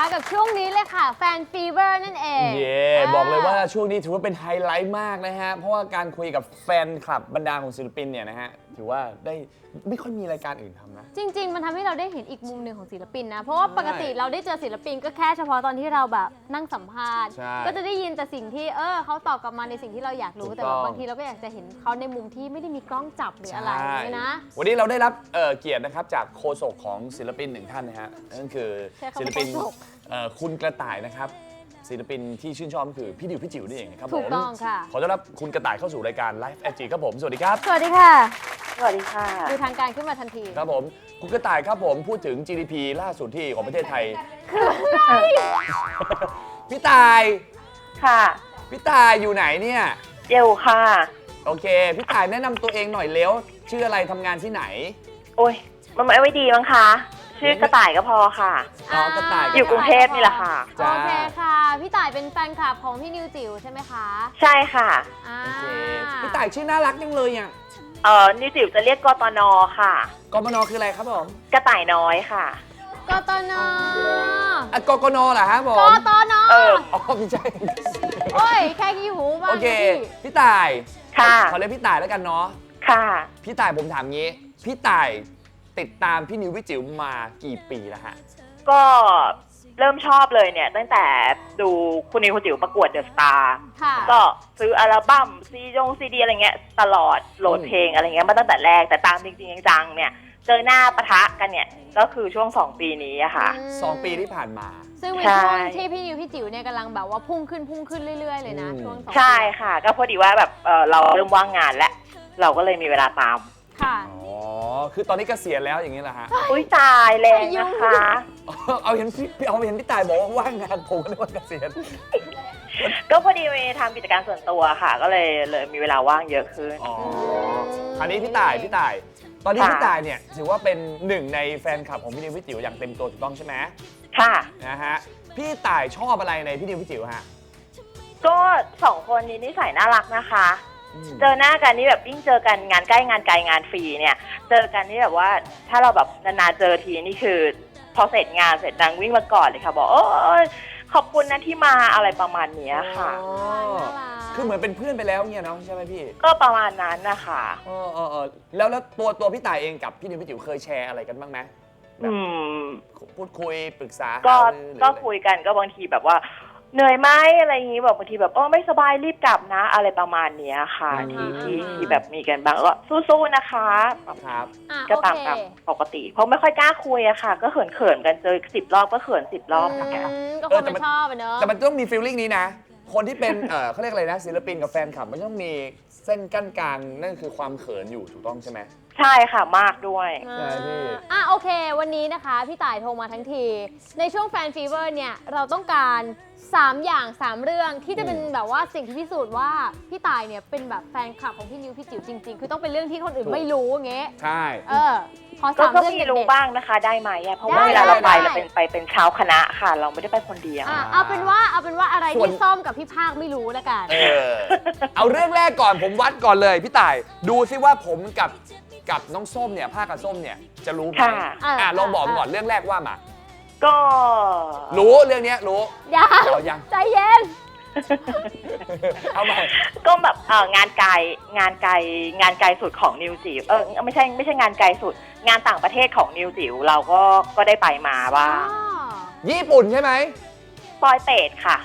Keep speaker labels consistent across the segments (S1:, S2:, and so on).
S1: กับช่วงนี้เลยค่ะแฟนฟีเวอร์นั่นเอง
S2: บอกเลยว่าช่วงนี้ถือว่าเป็นไฮไลท์มากนะฮะเพราะว่าการคุยกับแฟนคลับบรรดาของศิลปินเนี่ยนะฮะถือว่าได้ไม่ค่อยมีรายการอื่นทำนะ
S1: จริงๆมันทำให้เราได้เห็นอีกมุมหนึ่งของศิลปินนะเพราะว่าปกติเราได้เจอศิลปินก็แค่เฉพาะตอนที่เราแบบนั่งสัมภาษณ์ก็จะได้ยินแต่สิ่งที่เขาตอบกลับมาในสิ่งที่เราอยากรู้แต่บางทีเราก็อยากจะเห็นเขาในมุมที่ไม่ได้มีกล้องจับหรืออะไรนี่นะ
S2: วันนี้เราได้รับเกียรตินะครับจากโฆษกของศิลปินหนึ่งท่านนะฮะนั่นคือศิลปินคุณกระต่ายนะครับศิลปินที่ชื่นชอบก็คือพี่ดิวพี่จิ๋วนี่เองครับผม
S1: ถูกต้องค่ะ
S2: ขอต้อนรับคุณกระต่ายเข้าสู่รายการ Live FG ครับผมสวัสดีครับ
S1: สวัสดีค่ะ
S3: สวัสดีค่ะ
S1: ดูทางการขึ้นมาทันที
S2: ครับผมคุณกระต่ายครับผมพูดถึง GDP ล่าสุดที่ของประเทศไทย
S1: คืออะไร
S2: พี่ต่าย
S3: ค่ะ
S2: พี่ต่ายอยู่ไหนเนี่ย
S3: เยวค่ะ
S2: โอเคพี่ต่ายแนะนำตัวเองหน่อยเร็วชื่ออะไรทำงานที่ไหน
S3: โอ้ยมันไม่ไว้ดีมั้งคะชื่อกระต่ายก็พอค่ะ
S2: กระต่าย
S3: อยู่กรุงเทพนี่แหละค่ะ
S1: โอเคค่ะพี่ต่ายเป็นแฟนคลับของพี่นิวจิ๋วใช่ไหมคะ
S3: ใช่ค่ะ
S2: โอเคพี่ต่ายชื่อน่ารักจังเลยอ่ะ
S3: นิวจิ๋วจะเรียกกตนค่ะ
S2: กมนคืออะไรครับผม
S3: กระต่ายน้อยค่ะ
S1: กตน
S2: กกนเหรอฮะผม
S1: กตน
S2: ไม่ใช่
S1: โอ้ยแค่กี่หูบ้าง
S2: โอเคพี่ต่าย
S3: ค่ะ
S2: ขอเรียกพี่ต่ายแล้วกันเนาะ
S3: ค่ะ
S2: พี่ต่ายผมถามงี้พี่ต่ายติดตามพี่นิวพี่จิ๋วมากี่ปีแล้วฮะ
S3: ก็เริ่มชอบเลยเนี่ยตั้งแต่ดูคุณนิวคุณจิ๋วประกวดเดอะสตาร์ก็ซื้ออัลบั้มซีดีอะไรเงี้ยตลอดโหลดเพลงอะไรเงี้ยมาตั้งแต่แรกแต่ตามจริงๆจังๆเนี่ยเจอหน้าปะทะกันเนี่ยก็คือช่วง2 ปีนี้อะค่ะ
S2: 2 ปีที่ผ่านมา
S1: ซึ่งเป็นช่วงที่พี่นิวพี่จิ๋วเนี่ยกำลังแบบว่าพุ่งขึ้นเรื่อยๆเลยนะช่วง
S3: 2 ใช่ค่ะก็พอดีว่าแบบเราเริ่มว่างงานแล้วเราก็เลยมีเวลาตาม
S1: ค่ะ
S2: คือตอนนี้เกษียณแล้วอย่างนี้แหละฮะ
S3: อุ้ยตายแรงนะคะ
S2: เอาเห็นพี่ต่ายบอกว่าว่างงานผมก็นึกว่าเกษียณ
S3: ก็พอดีมีทำกิจการส่วนตัวค่ะก็เลยมีเวลาว่างเยอะขึ้น
S2: อันนี้พี่ต่ายตอนนี้พี่ต่ายเนี่ยถือว่าเป็นหนึ่งในแฟนคลับของพี่นิวพี่จิ๋วอย่างเต็มตัวถูกต้องใช่ไหม
S3: ค่ะ
S2: นะฮะพี่ต่ายชอบอะไรในพี่นิวพี่จิ๋วฮะ
S3: ก็2 คนนี้นิสัยน่ารักนะคะเจอหน้ากันนี่แบบยิ่งเจอกันงานใกล้งานไกลงานฟรีเนี่ยเจอกันนี่แบบว่าถ้าเราแบบนานๆเจอทีนี่คือพอเสร็จงานเสร็จนางวิ่งมาก่อนเลยค่ะบอกขอบคุณนะที่มาอะไรประมาณนี้ค่ะ
S2: คือเหมือนเป็นเพื่อนไปแล้วเนี่ยเนาะใช่ไหมพี่
S3: ก็ประมาณนั้นนะคะ
S2: แล้วตัวพี่ต่ายเองกับพี่นิวพี่จิ๋วเคยแชร์อะไรกันบ้างไหมพูดคุยปรึกษา
S3: ก็คุยกันก็บางทีแบบว่าเหนื่อยไหมอะไรอย่างนี้แบบบางทีแบบไม่สบายรีบกลับนะอะไรประมาณนี้ค่ะที่แบบมีกันบ้างก็สู้ๆนะคะ
S2: ครับ
S3: ก็ตามปกติเพราะไม่ค่อยกล้าคุยอะค่ะก็เขินกันเจอ10 รอบก็เขิน10 รอบค่ะ
S1: ก็คงไม่ชอบเนอะ
S2: แต่มันต้องมีฟีลลิ่งนี้นะคนที่เป็นเขาเรียกอะไรนะศิลปินกับแฟนคลับมันต้องมีเส้นกั้นกลางนั่นคือความเขินอยู่ถูกต้องใช่ไหม
S3: ใช่ค่ะมากด้วย
S2: ใช่พี่
S1: โอเควันนี้นะคะพี่ต่ายโทรมาทั้งทีในช่วงแฟนฟีเวอร์เนี่ยเราต้องการ3 อย่าง 3 เรื่องที่จะเป็นแบบว่าสิ่งที่พิสูจน์ว่าพี่ต่ายเนี่ยเป็นแบบแฟนคลับของพี่นิวพี่จิ๋วจริงๆคือต้องเป็นเรื่องที่คนอื่นไม่รู้อย่างเงี้ย
S2: ใช่
S1: ขอ3 เรื่อง
S3: ก็มีรู้บ้างนะคะได้ไหมเพราะว่าเวลาเราไปเราเป็นชาวคณะค่ะเราไม่ได้ไปคนเดียว
S1: เอาเป็นว่าอะไรที่ส้มกับพี่ภาคไม่รู้แล้วกัน
S2: เอาเรื่องแรกก่อนผมวัดก่อนเลยพี่ต่ายดูซิว่าผมกับน้องส้มเนี่ยภาคกับส้มเนี่ยจะรู้ไหมลองบอกก่อนเรื่องแรกว่ามา
S3: ก็
S2: รู้เรื่องนี้รู้
S1: ยังใจเย็น
S2: เอาใหม่
S3: ก็แบบงานไกลสุดของนิวจิ๋วไม่ใช่งานไกลสุดงานต่างประเทศของนิวจิ๋วเราก็ได้ไปมาบ้าง
S2: ญี่ปุ่นใช่ไหม
S3: ปอยเปตค่ะ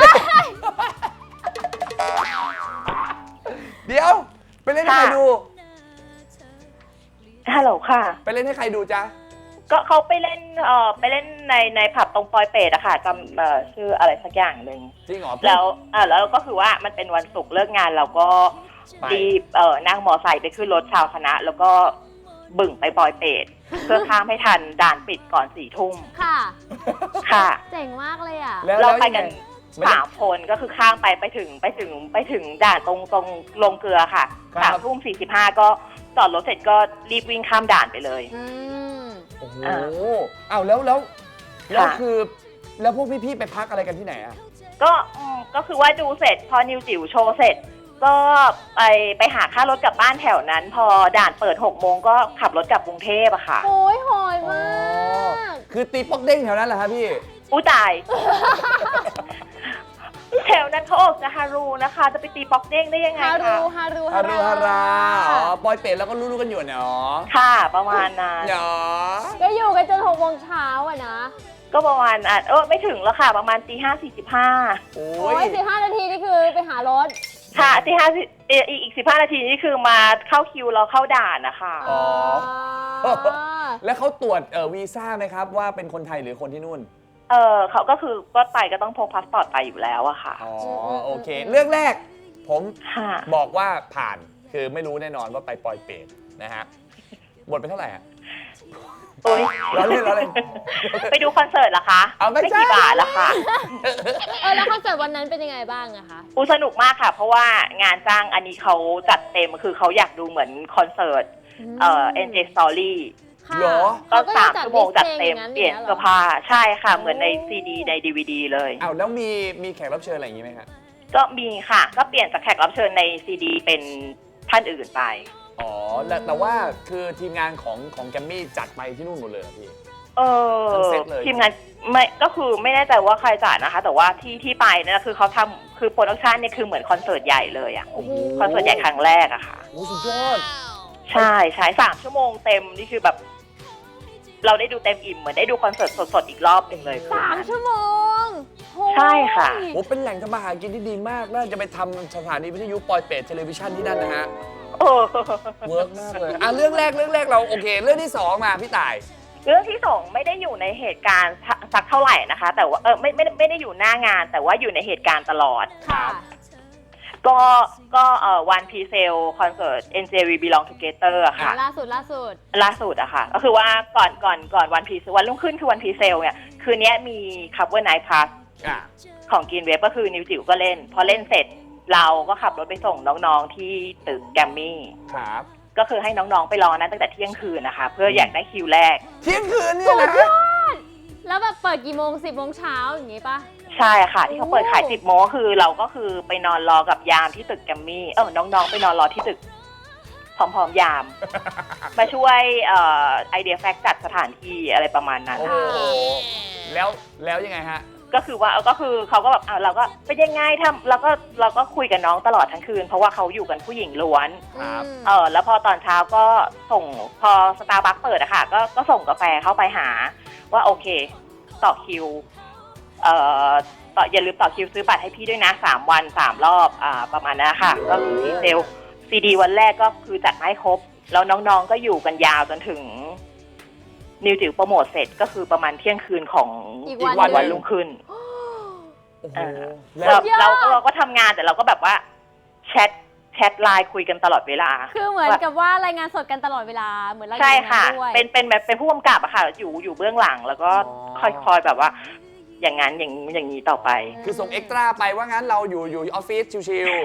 S2: เดี๋ยวไปเล่นให้ใครดู
S3: ฮัลโหลค่ะ
S2: ไปเล่นให้ใครดูจ๊ะ
S3: ก็เขาไปเล่นในผับตรงปอยเปตอะค่ะจำชื่ออะไรสักอย่างหนึ่ง
S2: จริงเหรอ
S3: แล้วก็คือว่ามันเป็นวันศุกร์เลิกงานเราก็รีบนั่งมอไซค์ไปขึ้นรถชาวคณะแล้วก็บึ่งไปปอยเปตเพื่อข้ามให้ทันด่านปิดก่อน4 ทุ่มค่ะ
S1: เจ๋งมากเลยอ่ะ
S3: เราไปกัน3 คนก็คือข้ามไปถึงด่านตรงลงเกลือค่ะ3:45ก็จอดรถเสร็จก็รีบวิ่งข้ามด่านไปเลย
S2: โอ้โหแล้วคือแล้วพวกพี่ๆไปพักอะไรกันที่ไหนอ่ะ
S3: ก็คือว่าดูเสร็จพอนิวจิ๋วโชว์เสร็จก็ไปหาค่ารถกลับบ้านแถวนั้นพอด่านเปิด6 โมงก็ขับรถกลับกรุงเทพอะค่ะ
S1: โอ้ยหอยมาก
S2: คือตีป๊อกเด้งแถวนั้นเหรอครับพี่
S3: อู้ตาย แถวนั้นเขาออกจะฮารูนะคะ จะไปตีป๊อกเด้งได้ยังไง
S1: ฮา
S3: คะ
S1: รูฮารู
S2: ฮารุฮาราอ๋อปอยเป็ดแล้วก็รู้ๆกันอยู่เนาะ
S3: ค่ะประมาณนั้น
S2: เนาะ
S1: ก็อยู่กันจน6 โมงเช้าอะนะ
S3: ก็ประมาณไม่ถึงแล้วค่ะ ประมาณตี 5:45
S2: โอ้
S1: โอ้ย
S2: ย
S1: 15 นาทีนี่คือไปหารถ
S3: ค่ะอีก15 นาทีนี่คือมาเข้าคิวเราเข้าด่านนะคะ
S2: อ๋อ แล้วเขาตรวจวีซ่าไหมครับว่าเป็นคนไทยหรือคนที่นู่น
S3: เขาก็คือก็ไปก็ต้องพกพาสปอร์ตไปอยู่แล้วอะค่ะ
S2: อ๋อโอเค เรื่องแรกผม
S3: ค่ะ
S2: บอกว่าผ่านคือไม่รู้แน่นอนว่าไปปอยเป็ดนะฮะหมดไปเท่าไหร่ฮะ
S3: โอ้ย
S2: เราเล่นเราเล่น
S3: ไปดูคอนเสิร์ตเหรอคะ
S2: เอาไม่ใช่
S3: กี่บาทละค่ะ
S1: แล้วคอนเสิร์ตวันนั้นเป็นยังไงบ้างอะคะ
S3: สนุกมากค่ะ เพราะว่างานจ้างอันนี้เขาจัดเต็มคือเขาอยากดูเหมือนคอนเสิร์ตNJ Story
S1: ค่ะ
S2: เหรอ
S3: ก็
S1: เขายัง
S3: 3 ชั่วโมงจัดเต็ม
S1: ดิสพลย์
S3: เปลี่ยน
S1: าง
S3: เสื้อผ้าใช่ค่ะ
S1: โอ้
S3: เหมือนในซีดีใน DVD เลย
S2: อ้าวแล้วมีแขกรับเชิญอะไรอย่างงี้ไหมฮะ
S3: ก็มีค่ะ ก็เปลี่ยนจากแขกรับเชิญในซีดีเป็นท่านอื่นไป
S2: อ๋อแต่ว่าคือทีมงานของแกมมี่จัดไปที่นู่นหมดเลยเหรอพี่ ทั้งเซตเลย
S3: ทีมงานไม่ก็คือไม่แน่ใจว่าใครจัดนะคะ แต่ว่าที่ไปเนี่ยคือเขาทำคือโปรดักชันเนี่ยคือเหมือนคอนเสิร์ตใหญ่เลยอะ
S2: โอ้โห
S3: คอนเสิร์ตใหญ่ครั้งแรกอะค่ะ
S2: โอ้สุดยอด
S3: ใช่3 ชั่วโมงเต็มนี่คือแบบ เราได้ดูเต็มอิ่มเหมือนได้ดูคอนเสิร์ตสดๆอีกรอบหนึ่งเลย
S1: 3 ชั่วโมงโอ้ย
S3: ใช่ค่ะ
S2: โอ้เป็นแหล่งทำมาหากินที่ดีมากน่าจะไปทำสถานีวิทยุปอยเป็ดเทเลวิชันที่นั่นนะฮะ
S3: โอ้
S2: เวิร์กมากเลยอ่ะเรื่องแรกเราโอเค เรื่องที่สองมาพี่ต่าย
S3: เรื่องที่2ไม่ได้อยู่ในเหตุการณ์สักเท่าไหร่นะคะ แต่ว่าไม่ได้อยู่หน้างาน แต่ว่าอยู่ในเหตุการณ์ตลอด
S1: ค่ะ
S3: ก็วันพีเซลคอนเสิร์ต NJ We Belong Together อะค่ะ
S1: ล่าสุด
S3: ล่าสุดอะค่ะ ก็คือว่าก่อนวันพีวันรุ่งขึ้นคือวันพีเซลเนี่ยคืนนี้มี Cover Night Plus
S2: อ่ะ
S3: ของกินเว็บก็คือนิวจิ๋วก็เล่น พอเล่นเสร็จเราก็ขับรถไปส่งน้องๆที่ตึกแกรมมี่
S2: ครับ
S3: ก็คือให้น้องๆไปรอนั้นตั้งแต่เที่ยงคืนนะคะ เพื่ออยากได้คิวแรก
S2: เที่ยงคืนเนี่ยนะ
S1: แล้วแบบเปิดกี่โมง 10 โมงเช้าอย่างงี้ปะ
S3: ใช่ค่ะ ที่เขาเปิดขาย 10 โมงก็คือเราก็คือไปนอนรอกับยามที่ตึกแกรมมี่น้องๆไปนอนรอที่ตึกพร้อมๆยาม มาช่วยไอเดียแฟกจัดสถานที่อะไรประมาณนั้น
S2: โอ้โหแล้วยังไงฮะ
S3: ก็คือเขาก็แบบเราก็เป็นยังไงเราก็คุยกับน้องตลอดทั้งคืนเพราะว่าเขาอยู่กันผู้หญิงล้วน
S2: ครับ
S3: แล้วพอตอนเช้าก็ส่งพอสตาร์บัคเปิดอะค่ะก็ส่งกาแฟเข้าไปหาว่าโอเคต่อคิวอย่าลืมต่อคิวซื้อบัตรให้พี่ด้วยนะ3 วัน 3 รอบประมาณนั้นค่ะก็คือดีเซลซีดีวันแรกก็คือจัดมาให้ครบแล้วน้องๆก็อยู่กันยาวจนถึงนิวจิ๋วโปรโมทเสร็จก็คือประมาณเที่ยงคืนของ
S1: อีก
S3: วันรุ่งขึ้น
S2: โอ้โหแล้ว
S3: เราก็ทำงานแต่เราก็แบบว่าแชทไลน์คุยกันตลอดเวลา
S1: คือเหมือนกับว่ารายงานสดกันตลอดเวลาเหมือนเราอยู่
S3: ใช่
S1: ใน
S3: ค่ะ
S1: นั้นด้วย
S3: เป็นแบบเป็นผู้กำกับอะค่ะอยู่เบื้องหลังแล้วก็คอยแบบว่า อย่างนั้นอย่างนี้ต่อไป
S2: คือส่งเอ็กตร้าไปว่างั้นเราอยู่ออฟฟิศชิว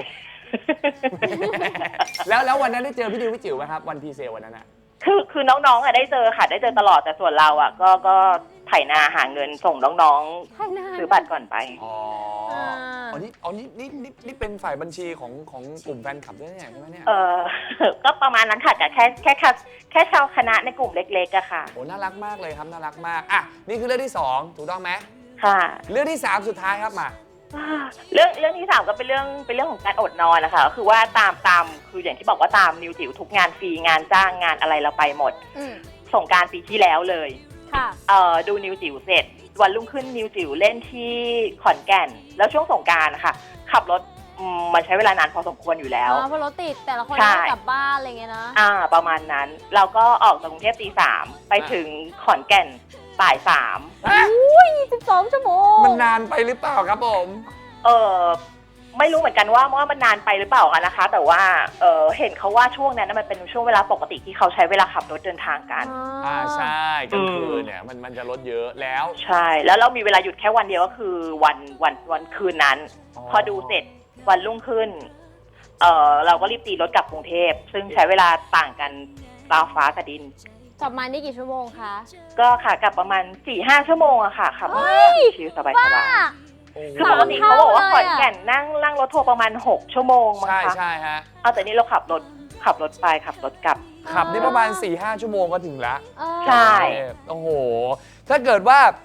S2: ๆ แล้ววันนั้นได้เจอพี่ดิวพี่จิ๋วไหมครับวันพีเซลวันนั้นอะ
S3: คือน้องๆอะได้เจอค่ะได้เจอตลอดแต่ส่วนเราอะก็ไถนาหาเงินส่งน้องๆซื้อบัตรก่อนไป
S2: อ๋อนี่เป็นฝ่ายบัญชีของกลุ่มแฟนคลับด้วยเนี่ยใช่ไหมเนี่ย
S3: ก็ประมาณนั้นค่ะแต่แค่ชาวคณะในกลุ่มเล็กๆอะค่ะ
S2: โอ้น่ารักมากเลยครับน่ารักมากอ่ะนี่คือเรื่องที่2ถูกต้องไหม
S3: ค่ะ
S2: เรื่องที่3สุดท้ายครับมา
S3: เรื่องที่3ก็เป็นเรื่องของการอดนอนนะคะก็คือว่าตามคืออย่างที่บอกว่าตามนิวจิ๋วทุกงานฟรีงานจ้างงานอะไรเราไปหมด ส่งกรารปีที่แล้วเลย
S1: ค่ะ
S3: ดูนิวจิ๋วเสร็จวันรุ่งขึ้นนิวจิ๋วเล่นที่ขอนแก่น แล้วช่วงสงกรานต์นะคะขับรถมันใช้เวลานานพอสมควรอยู่แล้ว
S1: เพราะรถติดแต่ละคน
S3: ใช่
S1: ต้องกลับบ้านอะไรเงี้ยนะ
S3: ประมาณนั้นเราก็ออกจากกรุงเทพตี 3ไปถึงขอนแก่นบ่าย
S1: อุ้ย12 ชั่วโมง
S2: มันนานไปหรือเปล่าครับผม
S3: 3ไม่รู้เหมือนกันว่ามันนานไปหรือเปล่ากันนะคะ แต่ว่าเห็นเขาว่าช่วงนั้นมันเป็นช่วงเวลาปกติที่เขาใช้เวลาขับรถเดินทางกัน
S2: ใช่กลางคืนเนี่ยมันจะลดเยอะแล้ว
S3: ใช่แล้วเรามีเวลาหยุดแค่วันเดียวก็คือวันคืนนั้น พอดูเสร็จวันรุ่งขึ้นเราก็รีบตีรถกลับกรุงเทพซึ่งใช้เวลาต่างกันราวฟ้ากับดิน
S1: กลับมานี่กี่ชั่วโมงคะ
S3: ก็ค่ะกลับประมาณ 4-5 ชั่วโมงอะค่ะขับรถชิลสบาย
S1: บ้า
S3: ๆคือปกติเขาบอกว่าขอนแก่นนั่งรถทัวร์ประมาณ6 ชั่วโมงมั้งคะ
S2: ใช่ฮะ
S3: แต่นี่เราขับรถไปขับรถกลับ
S2: ขับได้ประมาณ 4-5 ชั่วโมงก็ถึงละ
S3: ใช่
S2: โอ้โหถ้าเกิดว่า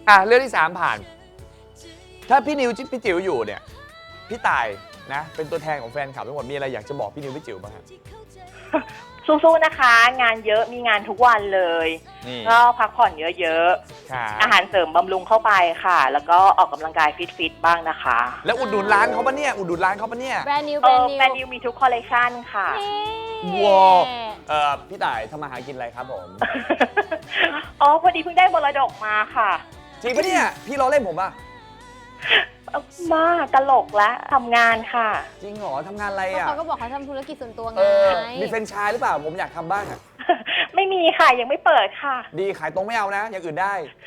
S2: เรื่องที่ 3 ผ่าน ถ้าพี่นิวพี่จิ๋วอยู่เนี่ยพี่ตายนะเป็นตัวแทนของแฟนคลับทั้งหมดมีอะไรอยากจะบอกพี่นิวพี่จิ๋วบ้างครับ
S3: สู้ๆนะคะ งานเยอะมีงานทุกวันเลย
S2: นี่
S3: ก็พักผ่อนเยอะ
S2: ครับ
S3: ๆอาหารเสริมบำรุงเข้าไปค่ะ แล้วก็ออกกำลังกายฟิตๆบ้างนะคะ
S2: แล้วอุดหนุนร้านเขาปะเนี่ยอุดหนุนร้านเขาปะเนี่ย
S1: แบรนด์นิว
S3: แบ
S1: แบ
S3: ร
S1: ร
S3: น
S1: น
S3: ด์
S1: ด์นิว
S3: นิวมีทุกคอลเลคชันค่ะ
S2: ว้าวพี่ต่ายทำมาหากินอะไรครับผม
S3: อ๋อพอดีเพิ่งได้มรดกมาค่ะ
S2: จริงปะเนี่ยพี่ล้อเล่นผมป่ะ
S3: มาตลกและทำงานค่ะ
S2: จริงเหรอทำงานอะไร
S1: ก็
S2: อ่ะ
S1: เขาก็บอกเขาทำธุรกิจส่วนตัวไง
S2: มีแฟรนไชส์หรือเปล่าผมอยากทำบ้างอะ
S3: ไม่มีค่ะยังไม่เปิดค่ะ
S2: ดีขายตรงไม่เอานะ อย่างอื่นได้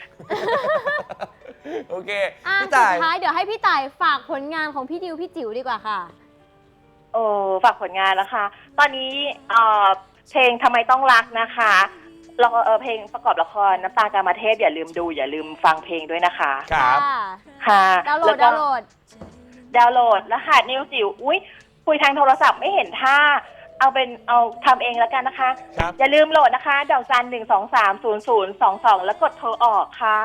S2: โอเค พี่
S1: สุ
S2: ต่าย
S1: ดท้ายเดี๋ยวให้พี่ต่ายฝากผลงานของพี่ดิวพี่จิ๋วดีกว่าค่ะ
S3: โอ้ฝากผลงานนะคะ ตอนนี้เพลงทำไมต้องรักนะคะแล้วก็เพลงประกอบละครน้ำตากามาเทพอย่าลืมดูอย่าลืมฟังเพลงด้วยนะคะ
S2: ครับ
S3: ค่ะ
S1: ดาวน์โหล
S3: แล้
S1: ด
S3: วก็
S1: ดาวน์โหลด
S3: รหัสนิวจิ๋วอุ้ยคุยทางโทรศัพท์ไม่เห็นท่าเอาทำเองแล้วกันนะคะ
S2: ครับ
S3: อย่าลืมโหลดนะคะดอกจัน1230022แล้วกดโทรออกค่ะ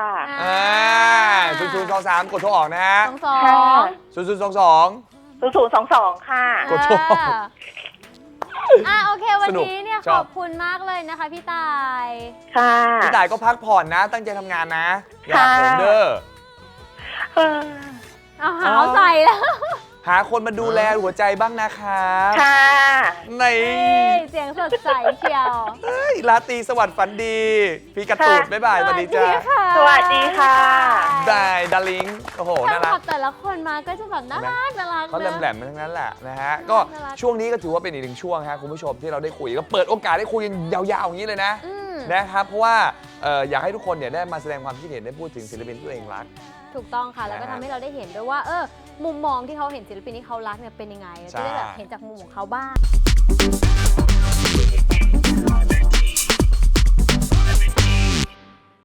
S2: 0023กดโทรออกนะฮะ
S1: สอง
S3: ค่ะ
S2: 0022
S3: 0022ค่ะ
S2: กดโทรออก
S1: โอเควัน
S2: สนุก
S1: นี้เนี่ย
S2: ช
S1: ข
S2: อ
S1: อ
S2: บบ
S1: คุณมากเลยนะคะพี่ต่าย
S3: ค่ะ
S2: พี่ต่ายก็พักผ่อนนะ ตั้งใจทำงานนะ อย่า
S3: ค่ะ
S2: ผมเด้อ
S3: เออ
S1: เอาหาวใจแล้ว
S2: หาคนมาดูแลหัวใจบ้างนะครับ
S3: ค่ะ
S2: ใน
S1: เสียงสดใสเชียว
S2: ราตรีสวัสดิ์ฝันดี พี่กระตูดบ๊ายบายสวัสดีจ้า
S1: ค่ะ
S3: สวัสดีค่ะ
S2: ได้ดาริงโอ้โห
S1: แฟ
S2: น่าน
S1: ค
S2: รั
S1: ลั
S2: ก
S1: บแต่ละคนมาก็จะแบบน่ารักน่ารัก
S2: เขา
S1: นะ
S2: แหลมๆทั้งนั้นแหละนะฮะ ก็
S1: น่ารัก
S2: ช่วงนี้ก็ถือว่าเป็นอีกหนึ่งช่วงครับคุณผู้ชมที่เราได้คุยก็เปิดโอกาสได้คุยกันยาวๆอย่างนี้เลยนะ
S1: อืม
S2: นะครับ เพราะว่าอยากให้ทุกคนเนี่ยได้มาแสดงความคิดเห็นได้พูดถึงศิลปินที่ตัวเองรัก
S1: ถูกต้องค่ะ แล้วก็
S2: นะฮะ
S1: ทำให้เราได้เห็นด้วยว่ามุมมองที่เขาเห็นศิลปินที่เขารักเนี่ยเป็นยังไงเราจะได้แบบเห็นจากมุมของเขาบ้าง